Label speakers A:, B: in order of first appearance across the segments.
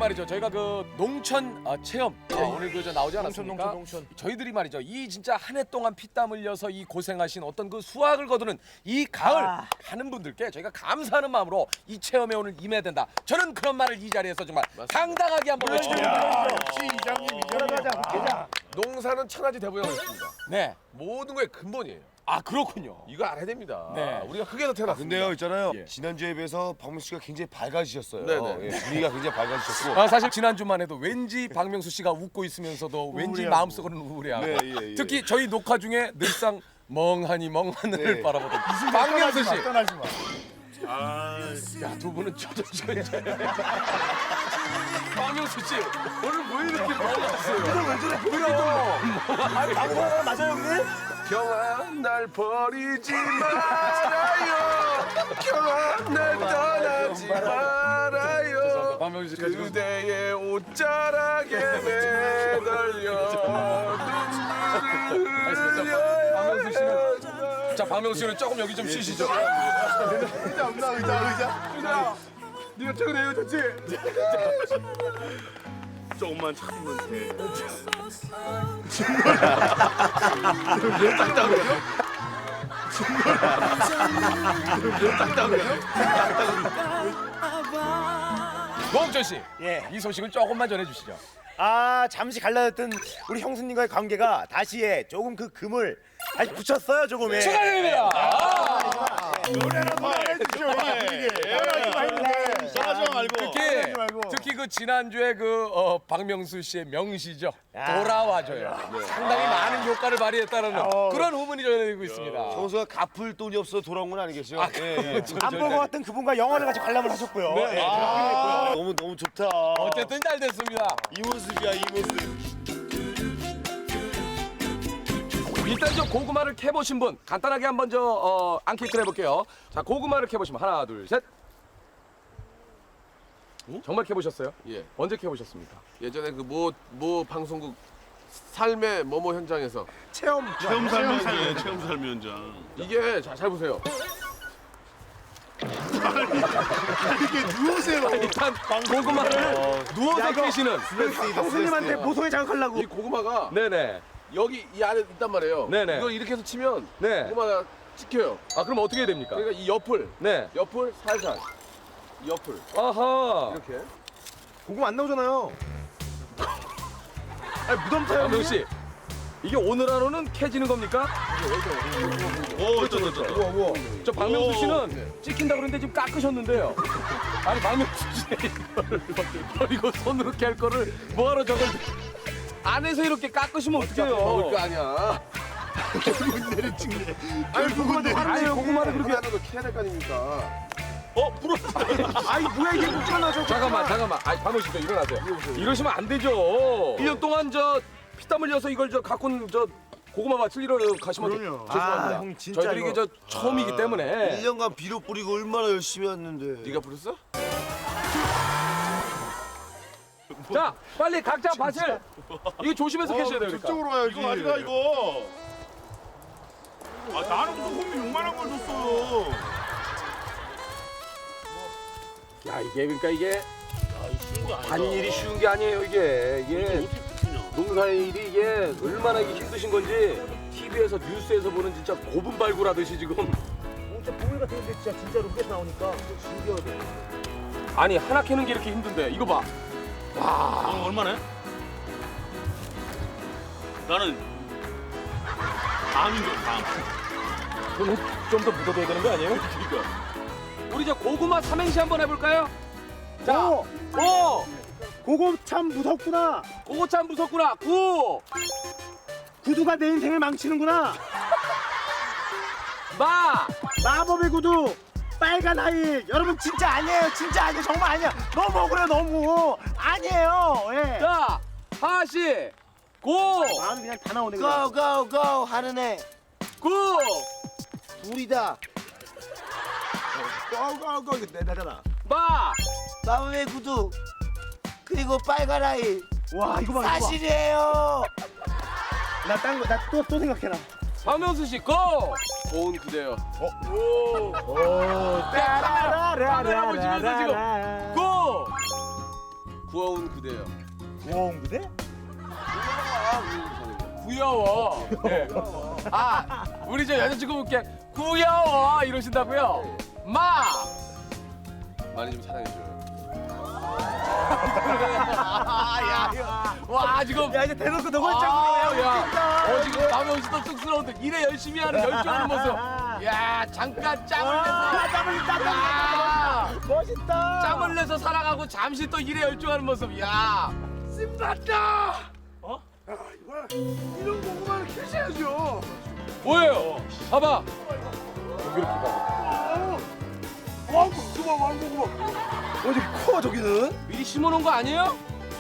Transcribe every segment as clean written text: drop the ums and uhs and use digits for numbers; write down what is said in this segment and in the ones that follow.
A: 말이죠. 저희가 그 농촌 체험 오늘 그 저 나오지 않았습니까?
B: 농촌.
A: 저희들이 말이죠. 이 진짜 한 해 동안 피땀 흘려서 이 고생하신 어떤 그 수확을 거두는 이 가을 하는 분들께 저희가 감사하는 마음으로 이 체험에 오늘 임해야 된다. 저는 그런 말을 이 자리에서 정말 당당하게 한번 외쳐드립니다.
B: 역시 이장님.
C: 농사는 천하지 대보양을 했습니다.
A: 네.
C: 모든 거의 근본이에요.
A: 아 그렇군요.
C: 이거 알아야 됩니다.
A: 네.
C: 우리가 흙에서 태어났습니다.
D: 근데요 있잖아요.
C: 예.
D: 지난주에 비해서 박명수 씨가 굉장히 밝아지셨어요.
C: 네네.
D: 예, 분위기가 굉장히 밝아지셨고.
A: 아, 사실 지난주만 해도 왠지 박명수 씨가 웃고 있으면서도 왠지 마음속으로는 우울해하고
D: 네, 예.
A: 특히 저희 녹화 중에 늘상 멍하니 멍 하늘을
D: 네.
A: 바라보던 박명수 씨.
B: 떠나지 마.
A: 야, 두 분은 저저저 박명수 씨 오늘 왜 이렇게 멍하세요? 왜 저래? 왜요?
B: 아니 방송하나 맞아요 형님?
C: 경아 날 버리지 말아요. 경아 날 떠나지 말아요.
A: 박명수 씨
C: 그대의 옷자락에 매달려 눈물을
A: 박명수 씨는 자 박명수 씨는 조금 여기 좀 쉬시죠.
C: 의자. 네가 최근에 헤어졌지?
E: 조금만 참으면 돼.
A: 노홍철 씨,
B: 예.
A: 이 소식을 조금만 전해주시죠.
B: 아 잠시 갈라졌던 우리 형수님과의 관계가 다시에 조금 그 금을 다시 붙였어요 조금에.
A: 축하드립니다. 특히 그 지난주에 그 박명수 씨의 명시죠. 돌아와줘요. 상당히 많은 효과를 발휘했다는 그런 후문이 전해지고 있습니다.
D: 정수가 갚을 돈이 없어 돌아온 건 아니겠죠? 예.
B: 안 볼 것 같던 그분과 영화를 같이 관람을 하셨고요. 예.
D: 너무 좋다.
A: 어쨌든 잘 됐습니다.
D: 이 모습이야 이 모습.
A: 일단 저 고구마를 캐보신 분 간단하게 한번 저 앙케이트를 해볼게요. 자 고구마를 캐보시면 하나 둘 셋. 정말 캐보셨어요?
C: 예.
A: 언제 캐보셨습니까?
C: 예전에 그 모 방송국 삶의 뭐뭐 현장에서
E: 체험 삶이에요. 체험 삶 현장.
C: 이게 잘 보세요.
A: 일단 고구마를 누워서 캐시는.
B: 형수님한테 모성애 자극하려고.
C: 이 고구마가
A: 네네.
C: 여기 이 안에 있단 말이에요.
A: 네네.
C: 이걸 이렇게 해서 치면
A: 네.
C: 고구마가 찍혀요.
A: 아 그럼 어떻게 해야 됩니까?
C: 그러니까 이 옆을
A: 네.
C: 살살 이 옆을
A: 아하.
C: 이렇게.
B: 고구마 안 나오잖아요. 아니 무덤 타요.
A: 박명 씨, 이게 오늘 하루는 캐지는 겁니까?
E: 오, 있다.
A: 저 박명수 씨는 찍힌다 그러는데 지금 깎으셨는데요. 아니 박명수 씨 이걸 버리고 손으로 캘 거를 뭐하러 저걸 안에서 이렇게 깎으시면
C: 먹을
A: 어떡해요?
C: 거 아니야.
B: 아니 고구마도
A: 아니 고구마를 그렇게
C: 하나는 거 캐야 될 거 아닙니까?
B: 아니 뭐야 이게 묻혀놔서.
A: 잠깐만. 아니 박명수 씨 일어나세요. 이러시면 안 되죠. 1년 동안 저 피땀 흘려서 이걸 저 갖고 온 저 고구마 밭을 이러 가시면 죄송합니다.
B: 아, 형 진짜
A: 저희들이 이게 저 처음이기 때문에
D: 1년간 비료 뿌리고 얼마나 열심히 했는데.
C: 네가 부렸어?
A: 자 빨리 각자 밭을 이거 조심해서 캐셔야 돼요. 그러니까.
E: 저쪽으로 와야지. 이거 가져가 이거. 아 나는 무슨 홈이 6만 원걸 줬어요.
A: 야 이게 그러니까 이게
E: 쉬운 거 아니다.
A: 한 일이 쉬운 게 아니에요 이게
E: 어떻게 붙이냐.
A: 농사의 일이 이게 얼마나 이게 힘드신 건지 TV에서 뉴스에서 보는 진짜 고분발굴하듯이 지금
B: 진짜 보물 같은데 진짜로 흙에서 나오니까 신기하네.
A: 아니 하나 캐는 게 이렇게 힘든데 이거 봐.
E: 너 얼마네? 나는 다음인 줄 다음.
A: 그럼 좀 더 묻어둬야 되는 거 아니에요?
E: 그러니까.
A: 우리 저 고구마 삼행시 한번 해볼까요? 자,
B: 오!
A: 오!
B: 그거 참 무섭구나.
A: 그거 참 무섭구나. 구!
B: 구두가 내 인생을 망치는구나.
A: 마!
B: 마법의 구두. 빨간 하일. 여러분 진짜 아니에요. 진짜 아니에요. 정말 아니야. 너무 억울해 너무. 아니에요. 예.
A: 자, 하시! 고!
B: 마음이 그냥 다 나오네. 그냥.
D: 고고고 하는 애
A: 구!
D: 둘이다.
B: 고고고 이거 내잖아.
A: 마!
D: 마음의 구두 그리고 빨간 아이
B: 와 이거 봐. 이거 봐.
D: 사실이에요.
B: 나 딴 거 나 또 생각해라.
A: 박명수 씨, 고! 고운 그대요. 오! 카메라 보시면서 지금 고!
C: 부어온 그대여.
B: 와 그대?
A: 구여워. 네. 아, 우리 저 여자친구분께 구여워 이러신다고요? 마.
C: 많이 좀 사랑해줘요.
A: 와 지금.
B: 야 이제 대놓고 너
A: 아,
B: 걸작으로
A: 야. 지금 남의 씨도 쑥스러운데 일에 열심히 하는 열정의 모습. 야 잠깐 짬을 내서.
B: 땀을
A: 야.
B: 멋있다.
A: 짬을 내서 살아가고 잠시 또 일에 열중하는 모습. 야. 신났다.
E: 이런 고구마를 캐셔야죠.
A: 뭐예요? 봐봐.
E: 왕고구마 왕고구마. 어디 커 저기는?
A: 미리 심어놓은 거 아니에요?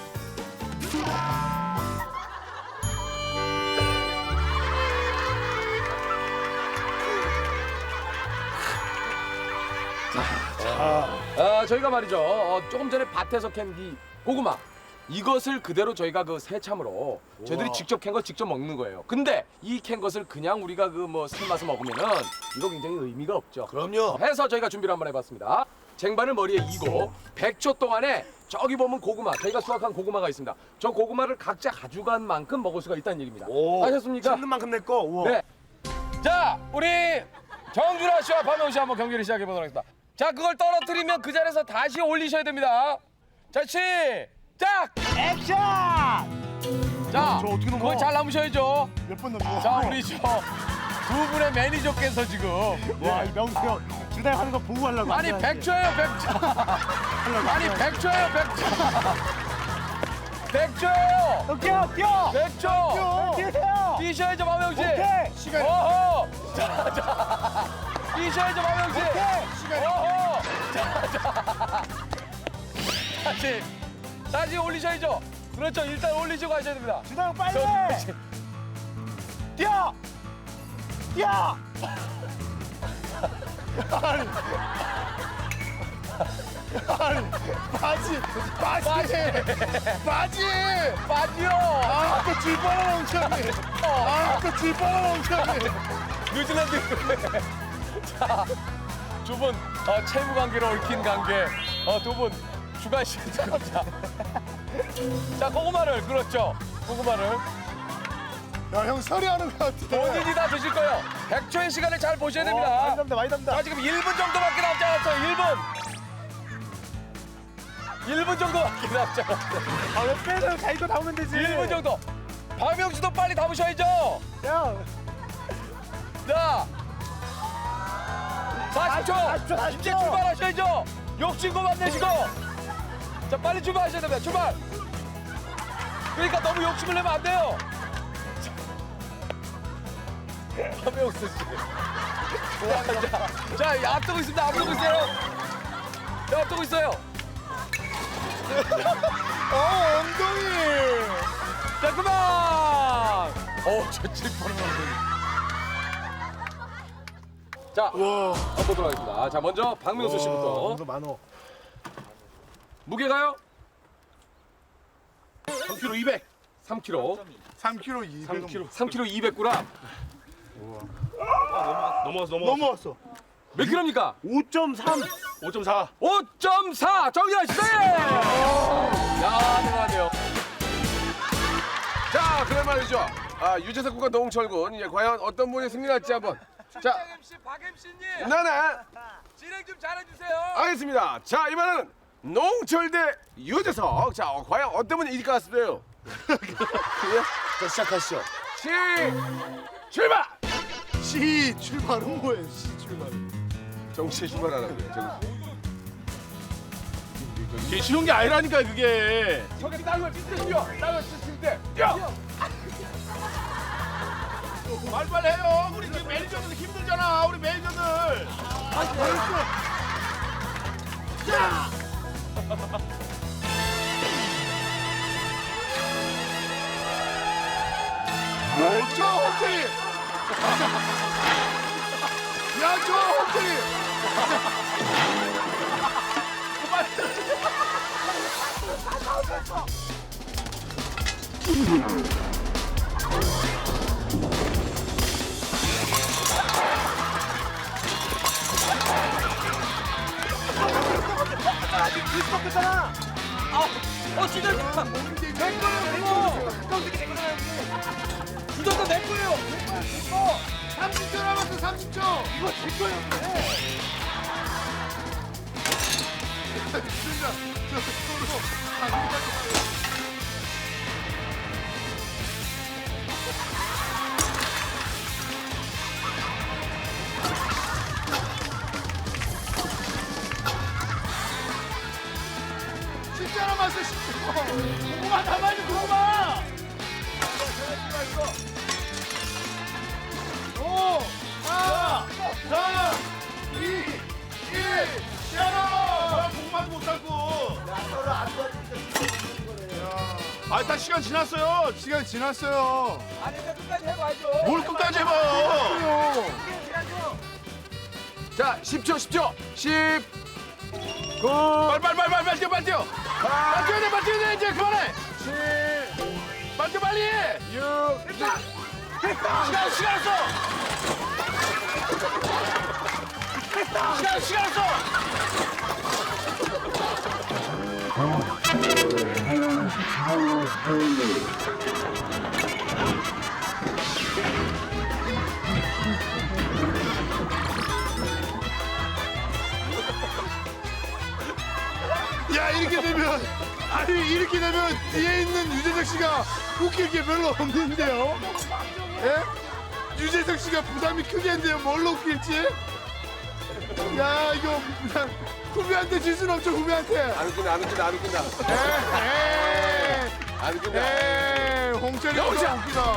A: 저희가 말이죠. 조금 전에 밭에서 캔 이 고구마. 이것을 그대로 저희가 그 새참으로 저희들이 직접 캔 걸 직접 먹는 거예요. 근데 이 캔 것을 그냥 우리가 그 뭐 삶아서 먹으면은 이거 굉장히 의미가 없죠.
D: 그럼요.
A: 해서 저희가 준비를 한번 해봤습니다. 쟁반을 머리에 이고 100초 동안에 저기 보면 고구마, 저희가 수확한 고구마가 있습니다. 저 고구마를 각자 가져간 만큼 먹을 수가 있다는 얘기입니다. 아셨습니까?
B: 잡는 만큼 내 거. 우와.
A: 네. 자, 우리 정준하 씨와 박명수 씨 한번 경기를 시작해 보도록 하겠습니다. 자, 그걸 떨어뜨리면 그 자리에서 다시 올리셔야 됩니다. 자, 시작!
B: 액션!
A: 자,
B: 저 어떻게 넘어?
A: 그걸 잘 남으셔야죠.
B: 몇 번 넘어?
A: 자, 우리 저 두 분의 매니저께서 지금
B: 와, 이 명수 형 주당 하는 거 보고 하려고.
A: 아니 100초예요 100초. 아니 100초예요 100초. 100초예요.
B: 뛰어, 뛰어.
A: 100초.
B: 뛰세요.
A: 뛰셔야죠 마명 씨.
B: 오케이.
A: 시간. 어허. 자. 뛰셔야죠 마명 씨.
B: 오케이.
A: 시간. 어허. 자. 다시 올리셔야죠. 그렇죠. 일단 올리시고 하셔야 됩니다.
B: 주당 빨리.
A: 저,
B: 뛰어. 뛰어. 바지.
A: 빠지요.
B: 아까 줄 뻔한 엉덩이. 아까 줄 뻔한 엉덩이.
A: 뉴질랜드. 자, 두 분 채무 관계로 얽힌 관계. 두 분 주관식 자, 자 고구마를 그렇죠. 고구마를
B: 야, 형 서리하는 것 같아.
A: 본인이 다 드실 거예요. 100초의 시간을 잘 보셔야
B: 많이
A: 됩니다.
B: 담다, 많이 담다.
A: 자 지금 1분 정도밖에 남지 않았어요. 1분 정도밖에 남지 않았어요.
B: 아, 왜 빼서 자기도 담으면 되지.
A: 1분 정도. 박명수도 빨리 담으셔야죠.
B: 형.
A: 자 40초.
B: 40초.
A: 이제 출발하셔야죠. 욕심 그만 내시고. 자 빨리 출발하셔야 됩니다. 출발. 그러니까 너무 욕심을 내면 안 돼요. 박명수 씨. 자 앞두고 있습니다. 앞두고 있어요. 자 앞두고 있어요.
B: 엉덩이.
A: 자 그만. 저 칠뻔한 엉덩이. 자 한번 보도록 하겠습니다. 자 먼저 박명수 씨부터.
B: 이거 많어.
A: 무게가요?
E: 3kg 200.
A: 3kg.
E: 3kg 200.
A: 3kg 200g.
E: 넘어왔어.
A: 몇 킬로입니까?
B: 5.3.
E: 5.4.
A: 5.4 정리하시죠. 야 대단하네요.
C: 자, 그래 말이죠. 유재석 군과 노홍철 군, 과연 어떤 분이 승리할지 한번. 자,
A: MC 박 MC님
C: 나는
A: 진행 좀 잘해주세요.
C: 알겠습니다. 자, 이번에는 노홍철 대 유재석. 자, 과연 어떤 분이 이길 것 같습니다.
D: 자, 시작하시죠.
C: 출발!
B: 시 출발은 뭐예요? 시 출발은.
C: 정치에 출발하라고요.
E: 이게 쉬운 게 아니라니까 그게.
A: 저기 땅을 찢으시죠. 땅을 찢을 때 뛰어.
E: 빨리빨리 해요. 우리 지금 매니저들 힘들잖아. 우리 매니저들.
B: 저 엉덩이. 야, 저 엉덩이.
A: 주전자 내 거예요.
D: 30초 남았어 30초. 이거 제 거였네. 진짜 저 서로 진짜 남았어 10초.
E: 고구마 담아야지 고구마.
D: 5, 4, 3, 2, 1.
E: 야, 고구마도 못 삶고. 다 시간 지났어요.
D: 시간 지났어요.
A: 아니 근데 끝까지 해봐야죠.
E: 뭘 끝까지 해봐요.
C: 자 10초 10초 10 빨리 뛰어 빨리 뛰어 빨리 뛰어야 돼 이제 그만해 7 빨리 뛰어 빨리 6 시간 없어 시간 없어
D: 야 이렇게 되면 뒤에 있는 유재석 씨가 웃길 게 별로 없는데요. 예? 유재석 씨가 부담이 크겠는데요. 뭘로 웃길지. 야 이거 그냥 후배한테 질 수는 없죠 후배한테.
C: 안 웃긴다
D: 에이
C: 안 웃긴다
D: 홍철이 너무 웃기다.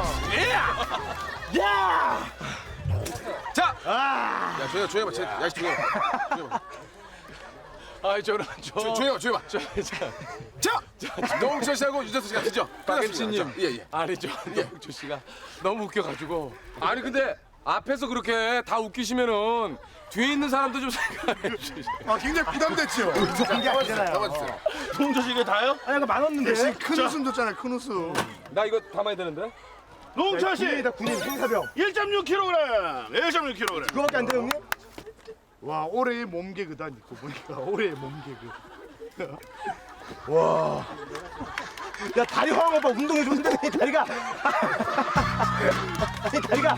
C: 자 야 조용히 해봐 야씨 조용히 해봐
A: 아 저는
C: 조용히 해봐 자 노홍철 씨하고 유재석 씨가 드죠
A: 박MC님
C: 예예
A: 아니죠. 노홍철 씨가 너무 웃겨가지고 아니 근데 앞에서 그렇게 다 웃기시면은 뒤에 있는 사람도 좀 생각해 주시죠.
D: 아 굉장히 부담됐죠.
C: 잡아주세요
E: 동조 씨 이게 다요?
B: 아니 이거 많았는데.
D: 대신 큰 웃음 줬잖아요 큰 웃음.
A: 나 이거 담아야 되는데.
E: 노홍철 씨
B: 군인이다 군인 행사병.
E: 1.6kg. 1.6kg.
B: 그거밖에 안 돼요 형님?
D: 와 올해의 몸개그다 니거 보니까 올해의 몸개그.
B: 야 다리 화한 거 봐. 운동해줘 운동해 다리가. 아니 다리가.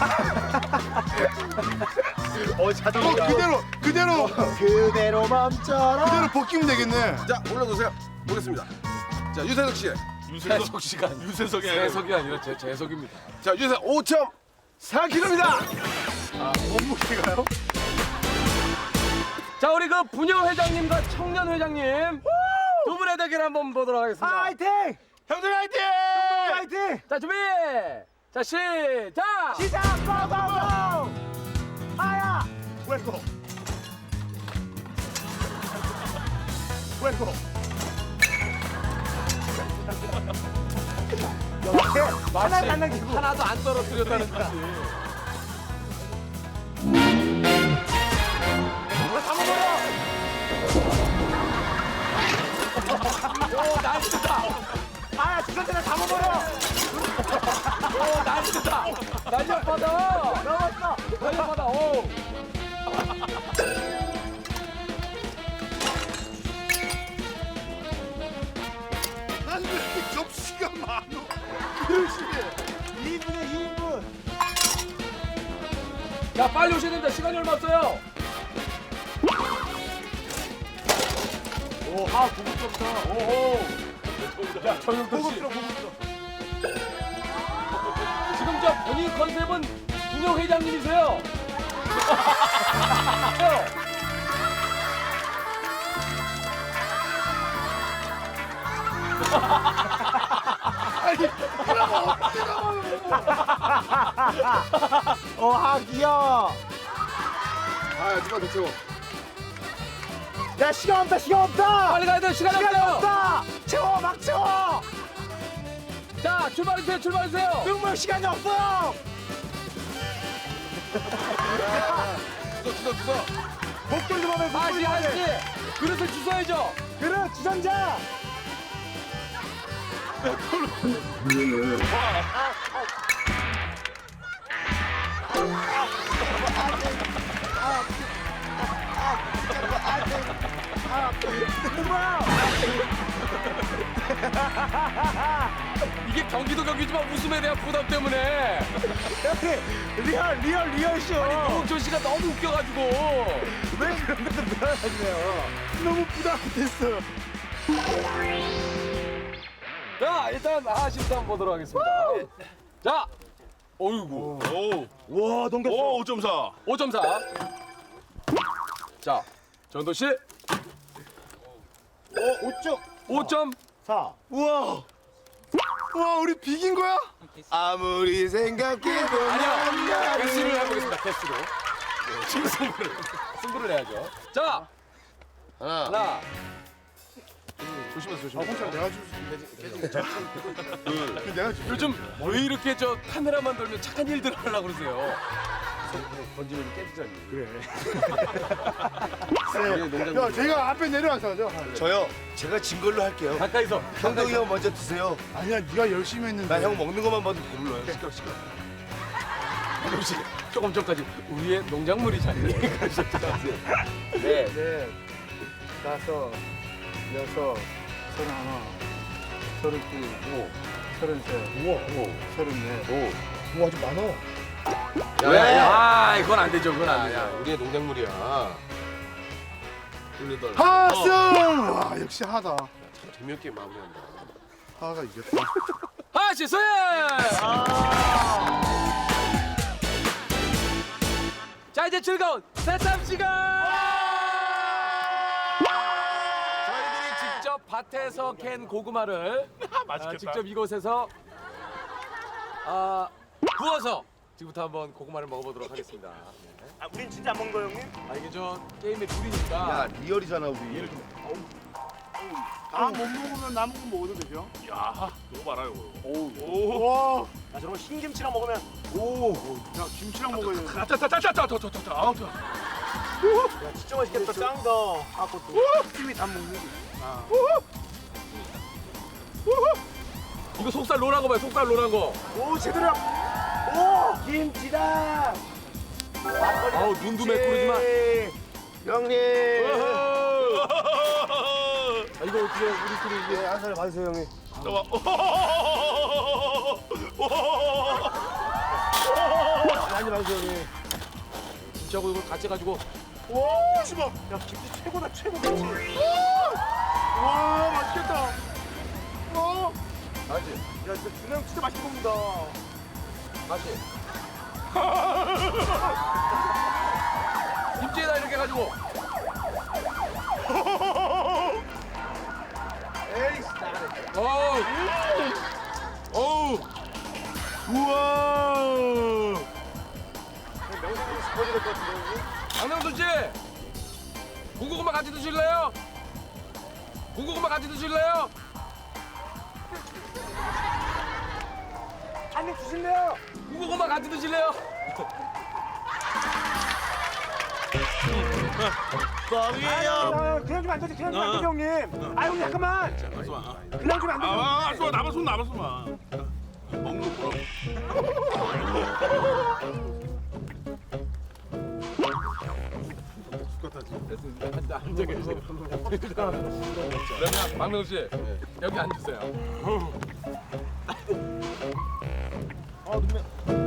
B: 자동이다.
D: 그대로
B: 멈춰라.
D: 그대로 벗기면 되겠네.
C: 자 올라놓으세요 보겠습니다 자 유재석 씨
A: 재석 씨가
E: 유재석이 아니라
A: 재석이 아니라 재석입니다.
C: 자 유재석 5.4kg입니다
D: 몸무게가요?
A: 자 우리 그 분녀 회장님과 청년 회장님 두 분의 대결 한번 보도록 하겠습니다.
B: 파이팅!
E: 형들 화이팅!
B: 파이팅!
A: 자 준비. 자 시작.
B: 시작! 고고고! 아야!
D: 왼고 왼고
B: 하나도 안 남기고.
A: 하나도 안 떨어뜨렸다는 뜻이. 오 난리다.
B: 아야 주전자를 다 먹어요.
A: 오 난리다. 날렵하다.
B: 넘었어.
A: 날렵하다. 오.
D: 난 왜 이렇게 접시가 많어?
B: 2인분에 2인분.
A: 자 빨리 오셔야 됩니다. 시간이 얼마 없어요. 오, 아 고급스럽다. 오호. 야 정영돈 씨. 지금 저 본인 컨셉은 분녀 회장님이세요.
B: 귀여워.
C: 아 누가 더 채워
B: 야 시간 없다 시간 없다.
A: 빨리 가야 돼. 시간이
B: 시간
A: 없어요.
B: 없다. 채워 막 채워.
A: 자 출발해주세요. 출발해주세요.
B: 능물 시간이 없어.
C: 주소
B: 목줄 좀 하면
A: 아시 그릇을 주워야죠.
B: 그래 주전자.
A: 이게 경기도 경기지만 웃음에 대한 부담 때문에
B: 리얼 쇼.
A: 노홍철 씨가 너무 웃겨가지고.
B: 왜 그런 것도 늘어나시네요.
D: 너무 부담됐어요.
A: 자, 일단 하하씨부터 한번 보도록 하겠습니다. 자, 어이구.
B: 와 넘겼어.
E: 오 5.4.
A: 5.4. 자, 전도 씨
B: 5점
A: 5점.
B: 4.
D: 우와. 와 우리 비긴 거야? 아무리 생각해도
A: 아니요. 개수를 해보겠습니다. 개수로. 네, 지금 승부를 해야죠. 자, 하나.
D: 조심하세요. 홍철 내가 줄 내가 줄
A: 요즘 왜 이렇게 저 카메라만 돌면 착한 일들 하려고 그러세요? 던지면 깨지잖니.
D: 야, 제가 앞에 내려와서 하죠.
F: 저요. 제가 진 걸로 할게요.
A: 가까이서.
F: 형동이 형 먼저 드세요.
D: 아니야, 네가 열심히 했는데.
F: 나 형 먹는 것만 봐도 배불러요.
A: 혹시 조금 전까지 우리의 농작물이잖니. 네.
D: 네, 5, 6, 31, 32, 33, 34.
F: 뭐 아주 많아.
A: 아, 이건 안 되죠. 그건 안 되죠.
F: 우리의 농작물이야.
D: 하승! 와, 역시 하다.
F: 재미없게 마무리한다.
D: 하가 이겼다.
A: 하하씨 승! 자, 이제 즐거운 새참 시간! 저희들이 직접 밭에서 캔 고구마를
E: 맛있겠다.
A: 직접 이곳에서 구워서 지금부터 한번 고구마를 먹어보도록 하겠습니다. 네.
B: 아 우린 진짜 안 먹는 거 형님?
A: 이게 저 게임의 룰이니까.
F: 야, 리얼이잖아, 우리.
D: 다 못 먹으면 남은 거 먹어도 되죠?
E: 야 이거 봐라 이거.
D: 와,
B: 야 저런 흰김치랑 먹으면
D: 야, 김치랑 먹어야 돼.
E: 짜짜짜짜짜짜짜짜. 아우 저.
B: 야 진짜 맛있겠다. 짱이다. 아 그것도 팀이 다 먹는 게.
A: 이거 속살 노란 거 봐요. 속살 노란 거.
B: 오 제대로. 오 김치다.
A: 아우 눈도 매꾸르지만.
F: 형님.
A: 아, 이거 어떻게 우리끼리 이게
F: 한 살 받으세요, 형님.
E: 잠깐만.
F: 많이 받으세요, 형님.
A: 김치하고 이걸 같이 해가지고.
B: 야 김치 최고다 최고 김치.
D: 와, 맛있겠다.
A: 알지?
B: 야 진짜 준호 형 진짜 맛있게 먹는다.
A: 다시. 김치에다 이렇게 해가지고. 어우. 어우.
D: 우와.
A: 강명순 씨. 군고구마 같이 드실래요? 군고구마 같이 드실래요?
B: 한입 주실래요?
A: 군고구마 같이 드실래요?
B: 아, 그냥 주면 안 되지. 그냥 주면 안 되지 형님. 아 형님 잠깐만. 그냥 주면 안 되지.
E: 알았어 남았어 마. 먹는 거.
A: 앉아 계세요. 그러면 박명수 씨 여기 앉으세요.
B: 아 눈매.